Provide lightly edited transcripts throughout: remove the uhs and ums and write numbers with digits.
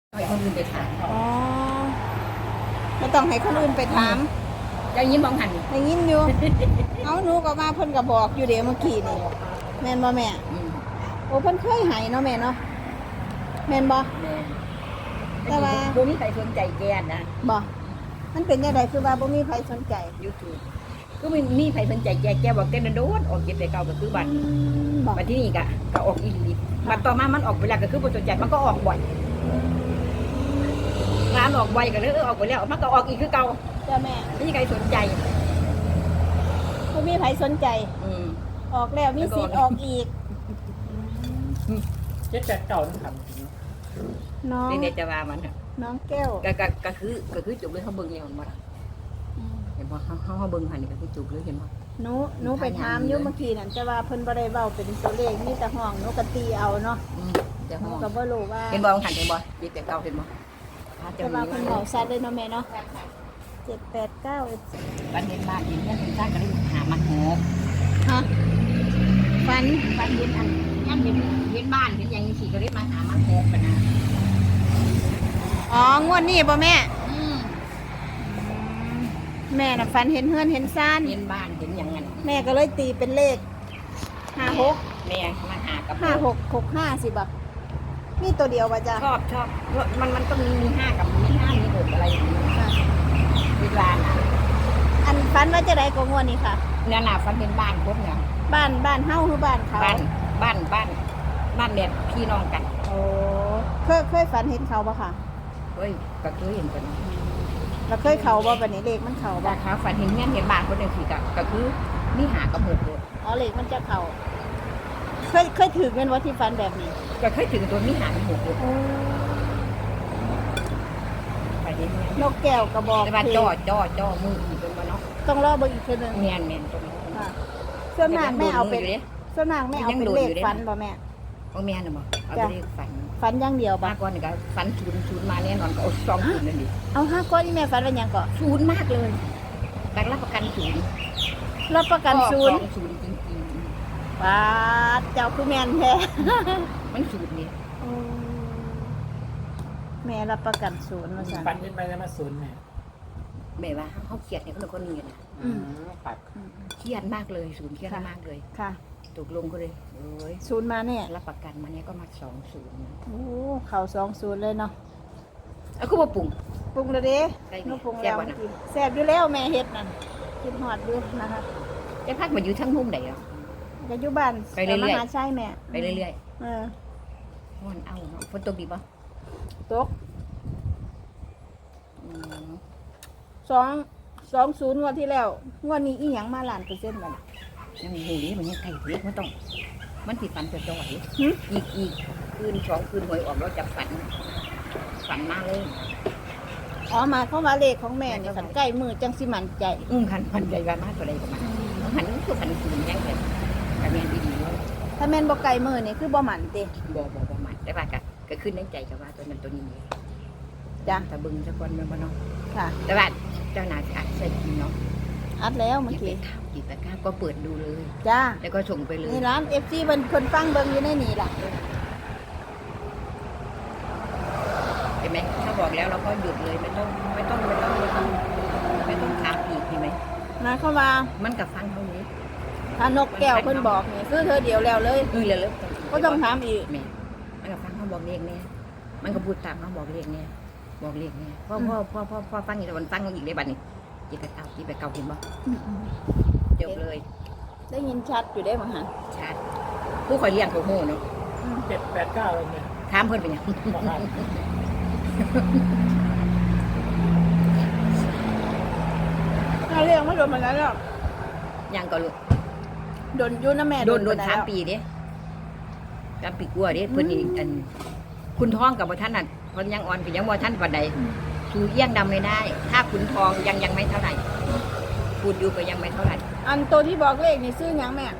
ให้คนอื่นไปถามอ๋อไม่ต้องให้คนอื่นไปถามจะยิ้มมองหันได้ยินอยู่ เอาหนูก็มาเพิ่นก็บอกอยู่เดี๋ยวเมื่อกี้นี่แม่นบ่แม่ โอ้เพิ่นเคยให้เนาะแม่เนาะแม่นบ่ แต่ว่าบ่มีใครสนใจแกนะบ่มันเป็นจังไดคือว่าบ่มีใครสนใจ YouTube ก็ไม่มีใครสนใจแกบอกแกโดนออกเก็บแต่เก่าก็คือบัตรบ่บัตรที่นี่ก็ออกอีหลีบัตรต่อมามันออกไปแล้วก็คือบ่สนใจมันก็ออกบ่อยงานออกบ่อยก็เลยออกไปแล้วมันก็ออกอีกคือเก่าจ้าแม่ไม่มีใครสนใจบ่มีใครสนใจ ออกแล้วมีสิทธิ์ออกอีก 789นั่นครับน้องเด็กๆจะว่ามันน่ะน้องแก้วก็คือจุกเลยเขาเบิ่งแล้วมันบ่ล่ะเห็นบ่เขาเบิ่งหันนี่ก็คือจุกเลยเห็นบ่หนูไปถามอยู่เมื่อกี้นั่นแต่ว่าเพิ่นบ่ได้เว้าเป็นตัวเลขมีแต่ห้องหนูก็ตีเอาเนาะเดี๋ยวหห้นูองก็บ่รู้ว่าเห็นบ่หันเห็นบ่เด็กแต่เก่าเห็นบ่แต่ว่าเพิ่นเว้าชัดเลยเนาะแม่เนาะ789 วันเห็นบ้านเห็นเพื่อนเห็นสร้างก็เลยหามาหกฮะฝันวันเห็นอันย่ำเห็นบ้านเห็นอย่างนี้สิก็เลยมาหามาหกกันนะอ๋องวดนี้บ่แม่ แม่น่ะฝันเห็นเฮือนเห็นซ่านเห็นบ้านเห็นอย่างนั้นแม่ก็เลยตีเป็นเลข56 แม่มาหากับ 5665สิบ่มีตัวเดียวบ่จ้ะชอบมันต้องมีห้ากับมีห้ามีหกอะไรอย่างนี้เวลาน่ะอันฝันว่าจะได้ก็งวดนี้ค่ะเนี่ยน่ะฟันเห็นบ้านคนเนี่ยบ้านเฮาคือบ้านเขาบ้านแบบพี่น้องกันโอ้เคยฝันเห็นเขาบ่ค่ะเฮ้ยก็เคยเห็นกันแล้วเคยเขาบ่บัดนี้เลขมันเขาบ่ราคาฝันเห็นเงี้ยเห็นบ้านคนหนึ่งสิก็คือมีหากับหกเลยอ๋อเลขมันจะเขาเคยถือเงินว่าที่ฝันแบบนี้ก็เคยถึงตัวมีหากับหกเลยโอ้ฝันเห็นเงี้ยนกแก้วกระบอกแต่ว่าจ่อมืออีกเป็นมาเนาะต้องรอเบิ่งอีกเทื่อนึงเมียนตรงนี้ค่ะส่วนมากแม่เอาเป็นส่วนมากแม่เอาเป็นเลขฝันบ่แม่ของเมียนน่ะบ่เอาไปเรียกฝันฝันอย่างเดียวบ่มากกว่านี่ก็ฝันศูนย์มาแน่นอนก็เอาสองศูนย์นั่นดิเอาห้าก้อนที่แม่ฝันว่าหยังก่อนศูนย์มากเลยแต่รับประกันศูนย์รับประกันศูนย์ศูนย์จริงบาดเจ้าคือแม่นแท้ๆมันศูนย์นี่โอ้แม่รับประกันศูนย์ว่าซั่นปันขึ้นไปแล้วมาศูนย์แม่แบบว่าเขาเครียดเนี่ยคนละคนนี้นะปัดเครียดมากเลยศูนย์เครียดมากเลยค่ะตกลงก็เลยเอ้ยศูนย์มาเนี่ยรับประกันมาเนี่ยก็มาสองศูนย์โอ้เข่า20เลยเนาะแล้วก็มาปรุงปรุงแล้วเด้ได้ไหมหนูปรุงแล้วแซ่บบ่น่ะเมื่อกี้แซ่บอยู่แล้วแม่เฮ็ดนั่นกินฮอดอยู่นะคะจะพักมาอยู่ทั้งมุมไหนอ่ะก็อยู่บ้านไปเรื่อยๆมหาชัยแม่ไปเรื่อยเออๆมันเอาเนาะฝนตกดีป่ะตกอืม 20งวดที่แล้วงวดนี้อีหยังมาล้านเปอร์เซ็นต์บ่ล่ะยังหูนี้มันยังไกลเล็กมันต้อง มันติดฝันจะจ่อยหึอีกคืนสองคืนหวยออกแล้วจะฝันมาเลยอ๋อมาเข้ามาเลขของแม่นี่คันใกล้มือจังสิมั่นใจขันพันใจกันมากกว่าใดกับมันหันคือพันศูนย์แย่งกันกับแม่ดีๆเลยถ้าแม่นบ่ไกลมือนี่คือบ่มั่นติบ่มันแต่ว่าก็ขึ้นในใจกับว่าตัวนั้นตัวนี้จ้ะถ้าบึงสักวันมันบ่เนาะค่ะแต่ว่าเจ้านาจะใส่กินเนาะอัดแล้วเมื่อกิกี้นข้าวกินตะกร้าก็เปิดดูเลยจ้าแล้วก็ส่งไปเลยนี่ร้าน FC เพิ่นคนฟังเบิ่งอยู่ในนี่ล่ะเห็นไหมถ้าบอกแล้วเราก็หยุดเลยไม่ต้องถามอีกเห็นไหมนะเข้ามามันกับฟังเท่านี้ถ้านกแก้วเพิ่นบอกนี่คือเธอเดียวแล้วเลยเร็วก็ต้องถามอีกแม่มันกับฟังเขาบอกเรียกเนี่ยมันก็พูดตามเขาบอกเรียกเนี่ยบอกเรียกเนี่ยพ่อฟังอีกแต่วันฟังเขาอีกได้บัดนี้จีไปเก่าเห็นบ่จบเลยได้ยินชัดอยู่ได้บ่หันชาติผู้คอยเลี้ยงเขาโง่เนาะ 789เลยเนี่ยถามเพิ่นเป็นหยังบอกครับถ้าเรื่องมาโดนมาแล้วยังก็รู้โดนอยู่นะแม่โดนมแล้ว 3 ปีเด้3 ปีกว่าเด้เพิ่นนี่อันคุณท้องกับบ่ท่านน่ะเพิ่นยังอ่อนก็ยังบ่ท่านปานใดคือเอี้ยงดำไม่ได้ ถ้าคุณทองยังไม่เท่าไหร่พูดอยู่ก็ยังไม่เท่าไหร่อันตัวที่บอกเลขนี่ซื้อหยังแม่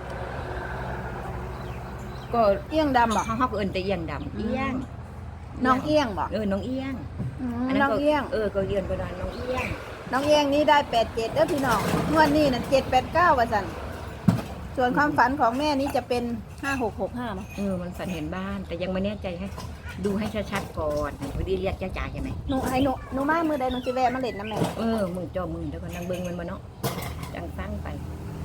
ก็เอี้ยงดำบ่เขาก็เอิ้นแต่เอี้ยงดำเอี้ยงน้องเอี้ยงบ่น้องเอี้ยงน้องเอี้ยงก็เอี้ยงก็ได้น้องเอี้ยงน้องเอี้ยงนี่ได้87เด้อพี่น้องงวดนี้น่ะ789ว่าซั่นส่วนความฝันของแม่นี่จะเป็น5665มั้งมันฝันเห็นบ้าน แต่ยังไม่แน่ใจให้ดูให้ชัดๆก่อนพอดีเรียกจ้าจ๋าใช่ไหมหนูมามือใดหนูสิแวะมาเล่นน้ำแม่มึงเจ้ามึงเดี๋ยวก็นั่งเบิ่งมันมาเนาะจังฟังไป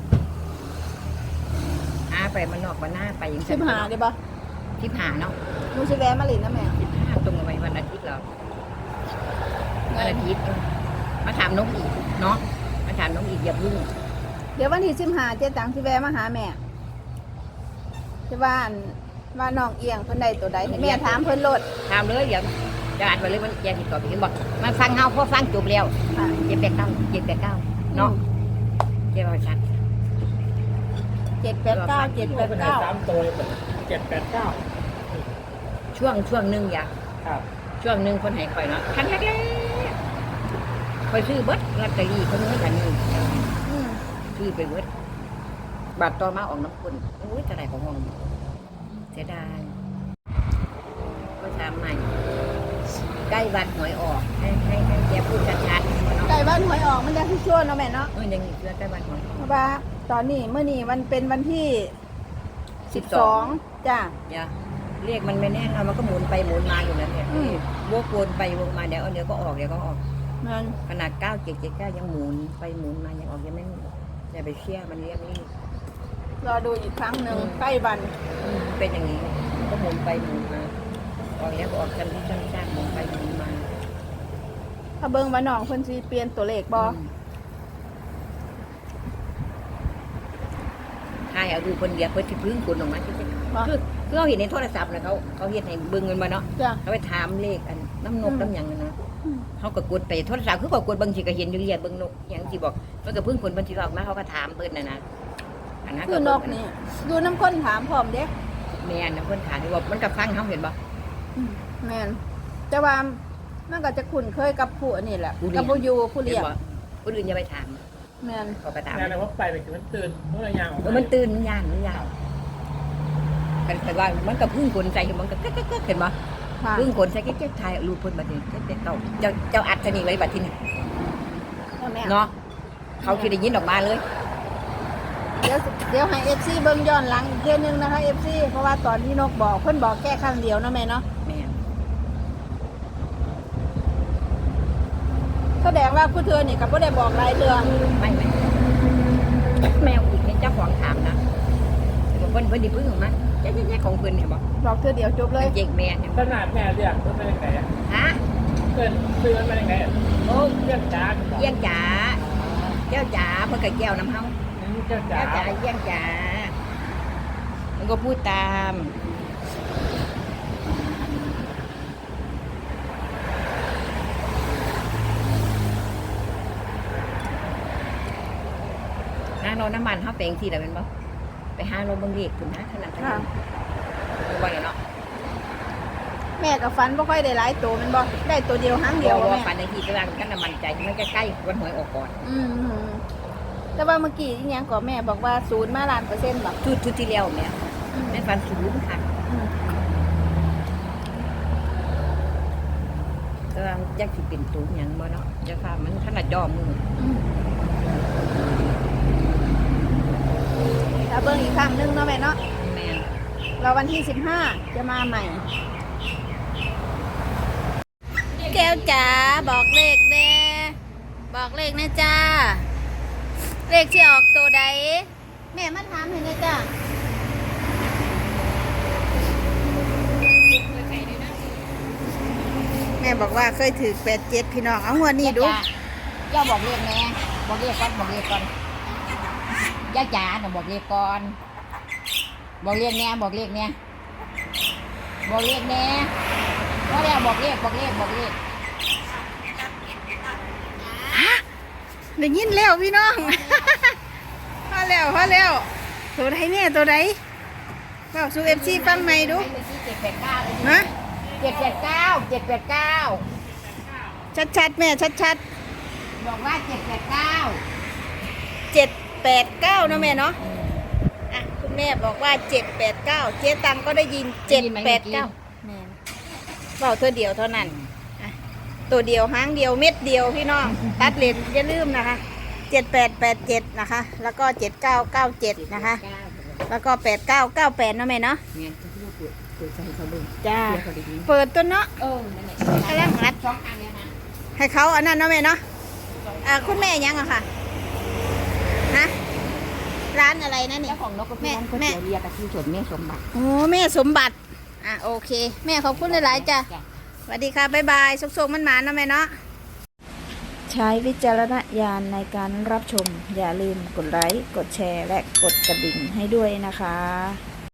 หาไปมันนอกมันหน้าไปยังสิบหาได้ปะ 15เนาะหนูสิแวะมาเล่นน้ำแม่ 15ตรงกับวันอาทิตย์เหรอวันอาทิตย์มาถามน้องอีกเนาะมาถามน้องอีกอย่าพึ่งเดี๋ยววันที่15เจ๊ตังสิแวะมาหาแม่ที่บ้านว่าน้องเอียงเพิ่นได้ตัวใดให้แม่ถามเพิ่นโลดถามเลยเดี๋ยวจะอ่านไปเลยมันแกติดต่อไปเห็นบอกมาฟังเฮาพอฟังจบแล้วค่ะ 789เนาะเจ้าชัด 789 เป็นไงสาม 789 ตัวเลย789 ช่วงหนึงอย่าครับช่วงหนึงคนให้ข่อยเนาะครั้งแรกๆข่อยซื้อเบิดลอตเตอรี่คนนี้กันนี่อืมซื้อไปเบิดบัตรต่อมาออกน้ำคนโอ้ยจะไหนของห้องเสียดายก็ถามใหม่ใกล้วันหวยออกให้แกพูดชัดๆเนาะไก่บ้านหวยออกมันจะที่ชั่วเนาะแม่เนาะยังอีกเรื่องใกล้วันหวยออกเพราะว่าตอนนี้เมื่อนี้มันเป็นวันที่12จ้ะอย่าเรียกมันไม่แน่นอนมันก็หมุนไปหมุนมาอยู่นั่นเนี่ยอืมวกวนไปวกมาเดี๋ยวก็ออกเดี๋ยวก็ออกมันขนาด9779ยังหมุนไปหมุนมายังออกยังไม่อย่าไปเชื่อมันเรียกนี่รอดูอีกครั้งหนึ่งใกล้วันเป็นอย่างนี้ก็หมุนไปหมุนมาออกแล้วก็ออกกันที่ช่างๆหมุนไปหมุนมาถ้าเบิ่งว่าน้องเพิ่นสิเปลี่ยนตัวเลขบ่ใช่เอาดูคนเดียวเพื่อที่พึ่งคุณออกมาคือเขาเห็นในโทรศัพท์นะเขาเห็นให้เบิ่งเงินมาเนาะจ้ะเขาไปถามเลขอันน้ำนกอืมน้ำหยังนั่นนะอืมเขาก็กดไปโทรศัพท์คือก็กดบางทีก็เห็นอยู่เรียนเบิ่งนกอย่างที่บอกมันก็พึ่งคนบางทีออกมาเขาก็ถามเพิ่นนะอันนั้นคือนกนี่ดูน้ำข้นถามพร้อมเด้แม่นะเพิ่นถามว่ามันก็ฟังเขาเห็นบ่แม่นแต่ว่ามันก็จะคุ้นเคยกับผู้อันนี้แหละกับผู้อยู่ผู้เลี้ยงคนอื่นอย่าไปถามแม่นก็ไปถามแม่เลยว่าไปคือมันตื่นเมื่อไรยางออกมันตื่นมันย่านกันว่ามันก็พึ่งคนใส่มันก็เห็นบ่ค่ะพึ่งคนใส่ก็จะถ่ายรูปเพิ่นบัดนี้เจ้าอัดสนิทไว้บัดที่นี่แม่เนาะเขาคิดได้ยินออกมาเลยเดี๋ยวให้ FC เบิ่งย้อนหลังอีกเทื่อนึงนะคะ FC เพราะว่าตอนที่นกบอกเพิ่นบอกแค่ครั้งเดียวเนาะแม่เนาะแม่แสดงว่าผู้เธอนี่ก็บ่ได้บอกหลายเรื่องไม่แมวอีกเนี่ยเจ้าของถามนะเพิ่นดิพึ่งออกมาแย่ของเพิ่นเนี่ยบอกบอกเธอเดียวจบเลยเจ๊กแม่เนี่ยขนาดแม่เรียกมันเป็นยังไงฮะเกินซื้อมันเป็นยังไงโอ้เรียกจ้าเยี่ยงจ๋าเจ้าจ๋าเพิ่นก็แก้วน้ำเฮาเจ้าจ้าเจ้าจ๋าเยี่ยงจ๋ามันก็พูดตามหาโรน้ำมันเฮาแปลงที่ละเป็นบ่ไปหาโรเบิ่งเลขพุ่นนะขนาดนั้นค่ะบ่เนาะแม่กับฟันบ่ค่อยได้หลายตัวแมันบ่ได้ตัวเดียวหางเดีเดี๋ยยว วบ่ว่าแม่ฝันในที่กำลังกันน้ำมันใจมันใกล้ๆวันหวยออกก่อนอืมแต่ว่าเมื่อกี้อีหยังก็แม่บอกว่า0มาล้านเปอร์เซ็นต์บ่ชุดที่แล้วแม่แม่ฝันสูงค่ะอืมแต่ว่าอยากสิเป็นตูหยังบ่เนาะจะค่ะมันขนาดยอมมืออืมถ้าเบิ่งอีกครั้งหนึงเนาะแม่เนาะแม่นเราวันที่15จะมาใหม่ แก้วจ๋าบอกเลขแน่บอกเลขนะจ้า เลขที่ออกตัวใด แม่มาถามเห็นนะจ้าแม่บอกว่าเคยถือ87พี่น้องเอาหัวนี่ดูย่าบอกเรียกแม่บอกเรียกก่อนบอกเรียกก่อนย่าจ๋าน่ะบอกเรียกก่อนบอกเรียกแน่บอกเรียกแน่บอกเรียกแน่ว่าแล้วบอกเรียกบอกเรียกบอกเรียกได้ยินแล้วพี่น้อง พอแล้วตัวใดแม่ตัวใดบอกสู่ FC ฟังใหม่ดูเมื่อกี้789เลยฮะ 789 ชัดๆแม่ชัดบอกว่า789 ๆ789เนาะแม่เนาะอ่ะคุณแม่บอกว่า789เจ๊ตังก็ได้ยิน789แม่เบาตัวเดียวเท่านั้นอ่ะตัวเดียวหางเดียวเม็ดเดียวพี่น้อง ตัดเลนอย่าลืมนะคะ7887นะคะ แล้วก็7997นะคะ แล้วก็8998เนาะแม่เนาะเนี่ยที่ลูกพูดปิดใส่เขาเบิ่งจ้าเดี๋ยวเขาได้ยินเปิดตัวเนาะนั่นแหละกำลังรัดสองอันเลยนะให้เขาอันนั้นเนาะแม่เนาะคุณแม่ยังอะค่ะฮะร้านอะไรนะนี่เจ้าของนกกระเพี้ยนก๋วยเตี๋ยวเรียกกับที่สวนแม่สมบัติโอ้แม่สมบัติโอเค แม่ขอบคุณหลายๆจ้ะสวัสดีค่ะบ๊ายบายสุกๆมันหมาเนาะแม่เนาะใช้วิจารณญาณในการรับชมอย่าลืมกดไลค์กดแชร์และกดกระดิ่งให้ด้วยนะคะ